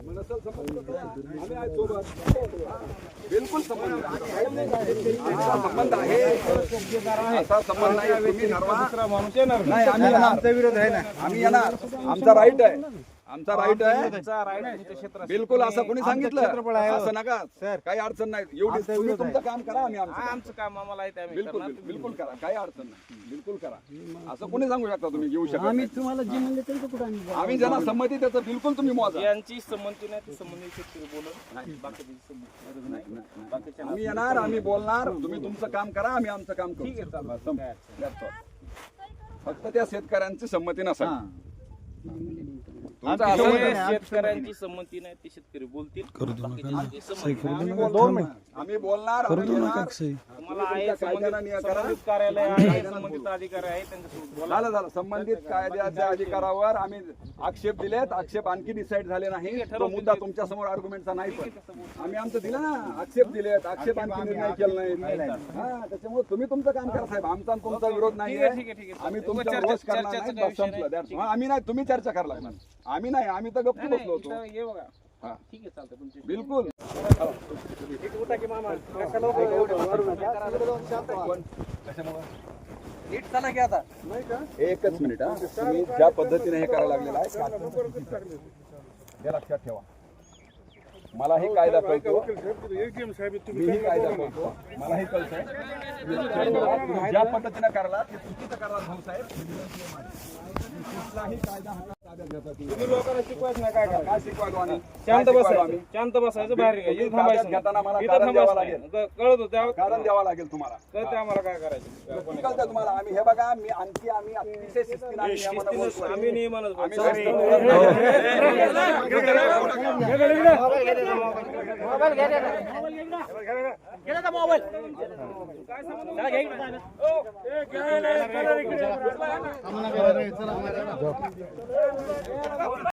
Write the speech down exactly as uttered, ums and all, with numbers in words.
नसेल संबंध आम्ही आहे सोबत, बिलकुल संबंध संबंध आहे, असा संबंध नाही. तुम्ही ठरवा माणूस येणार नाही, आम्ही येणार, आमचा विरोध आहे ना, आम्ही येणार, आमचा राईट आहे, आमचा राईट आहे, बिलकुल. असं कोणी सांगितलं असं नका सर, काही अडचण नाही. एवढी तुम्ही तुमचं काम करा, आम्ही आमचं काम आम्हाला आहे, बिलकुल बिलकुल करा, काही अडचण नाही, बिलकुल करा. असं कोणी सांगू शकता तुम्ही घेऊ शकता? आम्ही तुम्हाला जे म्हणले ते कुठे आम्ही आम्ही ज्यांना संमती त्याचं बिलकुल तुम्ही मोजा. यांची संमती नाही, संबंधित बोलून आम्ही येणार, आम्ही बोलणार, तुम्ही तुमचं काम करा, आम्ही आमचं काम करू. ठीक आहे, फक्त त्या शेतकऱ्यांची संमती नसेल. शेतकऱ्यांची संमती नाही, ते शेतकरी बोलतील. आम्ही बोलणार, तुम्हाला आहे संबंधित कार्यालय आहे, संबंधित अधिकारी आहे, त्यांच्यासोबत झालं झालं. संबंधित कायद्याच्या अधिकारावर आम्ही आक्षेप दिलेत, आक्षेप आणखी डिसाईड झाले नाही. तो मुद्दा तुमच्या समोर आर्ग्युमेंटचा नाही, पण आम्ही आमचं दिलं ना, आक्षेप दिलेत, आक्षेप आणखी निर्णय केला नाही. हा, त्याच्यामुळे तुम्ही तुमचं काम करा साहेब, आमचा तुमचा विरोध नाही. आम्ही तुमचा रोष करणार नाही, संपलं. आम्ही नाही, तुम्ही चर्चा करायला लागणार, आम्ही नाही, आम्ही तर गप्प बसलो होतो. ठीक आहे, चालतं तुमचे बिलकुल. एकच मिनिट हा, तुम्ही ज्या पद्धतीने हे करायला लागलेलं आहे हे लक्षात ठेवा. मलाही कायदा कळतो, मीही कायदा कळतो, मलाही कळतंय. तुम्ही ज्या पद्धतीने करायला ते चुकीचं करायला भाऊसाहेब. कुठलाही कायदा हा ताब्यात घेतात. तुम्ही लोकांना शिकवायचं नाही, काय करा, काय शिकवायचो आम्ही? शांत काय शिकवायचो बसायचं, आम्ही? शांत बसायचं, बाहेर तुम्ही इथं ताब्यात थांबायचं घेताना मला इथं कारण द्यावं थांबायचं लागेल. नाही. कळत होतं, कारण द्यावं लागेल तुम्हाला. कळतं आम्हाला काय करायचं. कळतं तुम्हाला. आम्ही हे बघा, मी आणखी आम्ही अतिशय शिस्तीने आणि नियमानं बोलतोय. आम्ही नियमानं आम्ही बोलतो. मोबाईल